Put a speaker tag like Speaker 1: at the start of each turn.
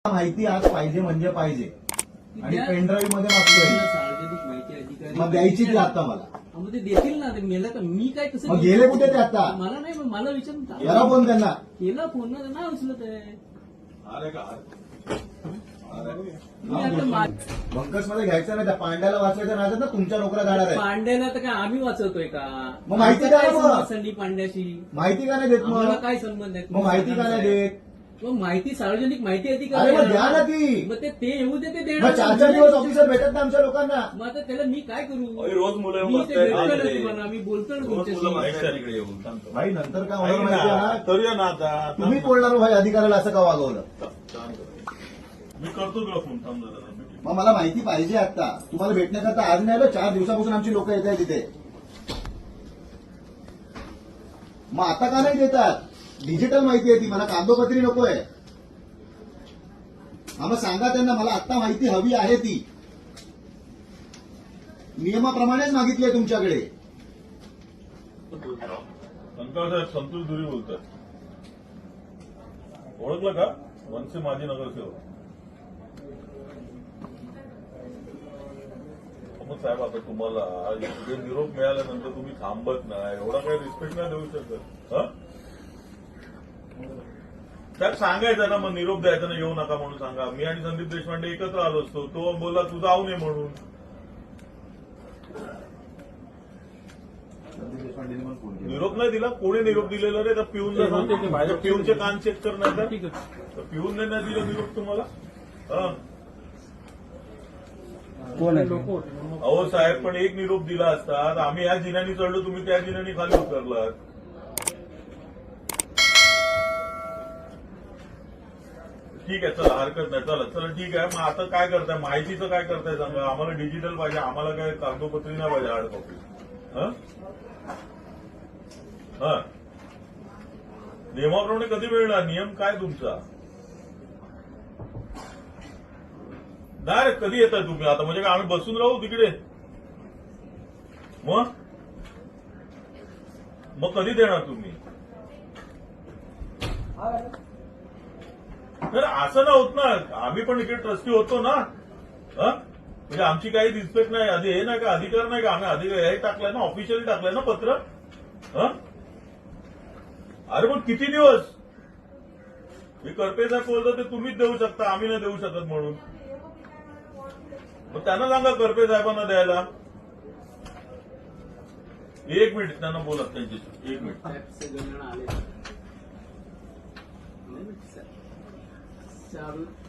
Speaker 1: माहिती आज पाहिजे म्हणजे पाहिजे आणि पेनड्राईव्ह मध्ये मागतोय.
Speaker 2: सार्वजनिक माहिती अधिकारी
Speaker 1: मग द्यायची ती आता मला.
Speaker 2: मग ते देतील ना. ते मेलं तर मी काय कसं
Speaker 1: मग गेले कुठे ते आता?
Speaker 2: मला नाही. मग मला विचारून
Speaker 1: करा फोन त्यांना.
Speaker 2: केला फोन ना नाही उचलत आहे.
Speaker 1: बंकस मध्ये घ्यायचं नाही. त्या पांड्याला वाचवायचं नाही ना. तुमच्या नोकऱ्या जाणार आहे.
Speaker 2: पांड्याला तर काय आम्ही वाचवतोय का?
Speaker 1: मग माहिती
Speaker 2: काय
Speaker 1: काय
Speaker 2: संबंध संदीप पांड्याशी?
Speaker 1: माहिती का नाही देत?
Speaker 2: आम्हाला
Speaker 1: मग
Speaker 2: काय संबंध आहे?
Speaker 1: मग माहिती का नाही देत?
Speaker 2: मग माहिती सार्वजनिक माहिती
Speaker 1: अरे
Speaker 2: अधिकारी
Speaker 1: मग द्या ना ती.
Speaker 2: मग ते येऊ दे. ते
Speaker 1: मग
Speaker 2: देणार.
Speaker 1: 4 दिवस ऑफिसर भेटत ना आमच्या लोकांना.
Speaker 2: मग आता त्याला मी काय करू?
Speaker 3: रोज मुलं
Speaker 2: मी ते भेटतोय ना तुम्हाला. मी बोलतो ना तुमच्याशी.
Speaker 3: इकडे येऊन
Speaker 1: भाई नंतर काय होणार माहिती आहे ना?
Speaker 3: करूया ना आता.
Speaker 1: तुम्ही बोलणार हो भाई अधिकाऱ्याला असं का वागवलं?
Speaker 3: मी करतो तुला फोन. थांब जरा.
Speaker 1: मग मला माहिती पाहिजे आता. तुम्हाला भेटण्याकरता आज नाही आलं. 4 दिवसापासून आमची लोक येत आहेत तिथे. मग आता का नाही देतात? डिजिटल माहिती आहे ती. मला कागदोपत्री नकोय. मग सांगा त्यांना मला आता माहिती हवी आहे ती. नियमाप्रमाणेच मागितली आहे तुमच्याकडे.
Speaker 3: शंकर साहेब संतोष दुरी बोलतात. ओळखलं का? मनसे माजी नगरसेवक. मग साहेब आता तुम्हाला निरोप मिळाल्यानंतर तुम्ही थांबत नाही. एवढा काही रिस्पेक्ट नाही देऊ शकत. त्यात सांगायचं ना. मग निरोप द्यायचा ना. येऊ नका म्हणून सांगा. मी आणि संदीप देशपांडे एकत्र आलो असतो. तो बोलला तू जाऊ नये म्हणून. निरोप नाही दिला. कोणी निरोप दिलेला रे? तर पिऊनला सांगते. माझ्या पिऊनचे कान चेक करणार तर पिऊनने नाही दिला निरोप तुम्हाला.
Speaker 1: कोण आहे?
Speaker 3: अहो साहेब पण एक निरोप दिला असता. आम्ही ह्या जिन्यानी चढलो. तुम्ही त्या जिन्यानी खाली उतरलात. ठीक आहे चला हरकत नाही. चला ठीक आहे. मग आता काय करताय? माहितीचं काय करताय सांगा. आम्हाला डिजिटल पाहिजे. आम्हाला काय कागदोपत्री नाही पाहिजे. Hard copy. नियमाप्रमाणे कधी मिळणार? नियम काय तुमचा? नाही कधी येताय तुम्ही आता? म्हणजे काय आम्ही बसून राहू तिकडे? मग कधी देणार तुम्ही? तर असं ना होत ना. आम्ही पण इकडे ट्रस्टी होतो ना. म्हणजे आमची काही रिस्पेक्ट नाही. आधी हे नाही का? अधिकार नाही का? आम्ही अधिकार हे टाकलाय ना. ऑफिशियली टाकलंय ना पत्र. अरे पण किती दिवस? हे करपे साहेब बोलतो ते तुम्हीच देऊ शकता. आम्ही नाही देऊ शकत म्हणून. मग त्यांना सांगा करपे साहेबांना द्यायला. एक मिनिट त्यांना बोलत त्यांच्याशी. एक मिनिट.
Speaker 2: चालू